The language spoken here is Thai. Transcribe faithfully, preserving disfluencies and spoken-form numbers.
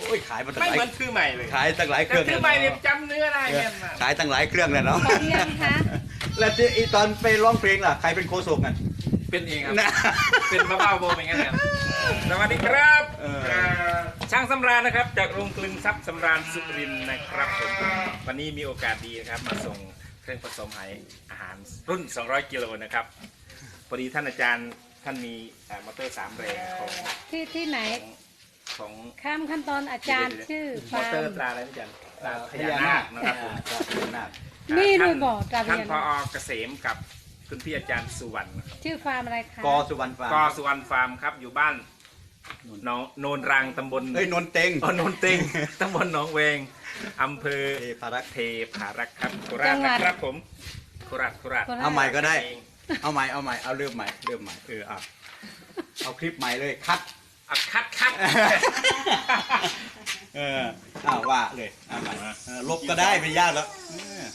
อ้ยขายมาตั้งไม่หลายเหมือนซื้อใหม่เลยขายตั้งหลายเครื่องซื้อใหม่เนี่ยจำเนื้อได้แม่นมากขายตั้งหลายเครื่องเลยเนาะพอหรือยังคะแล้วที่อีตอนไปร้องเพลงล่ะใครเป็นโคศกกันเป็นเองครับนะเป็นมะพร้าวโบเป็นไงครับสวัสดีครับเออเอ่อช่างสำราญนะครับ จากโรงกลึงทรัพย์สำราญสุรินทร์นะครับผมวันนี้มีโอกาสดีนะครับมาส่งเครื่องผสมไหอาหารรุ่น สองร้อย กิโลนะครับพอดีท่านอาจารย์ท่านมีเอ่อมอเตอร์สามแรงของที่ที่ไหนของข้ามขั้นตอนอาจารย์ชื่อมอฟาเตอร์มร์ตราอะไรนะอาจารย์ตราพญานาคนะครับผมอ่าพญานาคนี่ท่าด้วยบอกตราพท่านญาพอนาคเกษมกับคุณพี่อาจารย์สุวรรณนะครับชื่อฟาร์มอะไรคะกอสุวรรณฟาร์มกอสุวรรณฟาร์มครับอยู่บ้านหนองโนนรังตำบลเฮ้ยนนเต็งอ๋อโนนเต็ง ตำบลหนองเวงอำเภอเทพารักษ์เทพารักษ์ครับโคราชนะครับผมโคราชโคราชเอาใหม่ก็ได้ เอาใหม่เอาใหม่เอาเริ่มใหม่เริ่มใหม่เออเอาเอาคลิปใหม่เลยคัดอ่ะคัดคัดเอออ้าวว่าเลยเอาใหม่เออลบก็ได้ไม่ยากแล้ว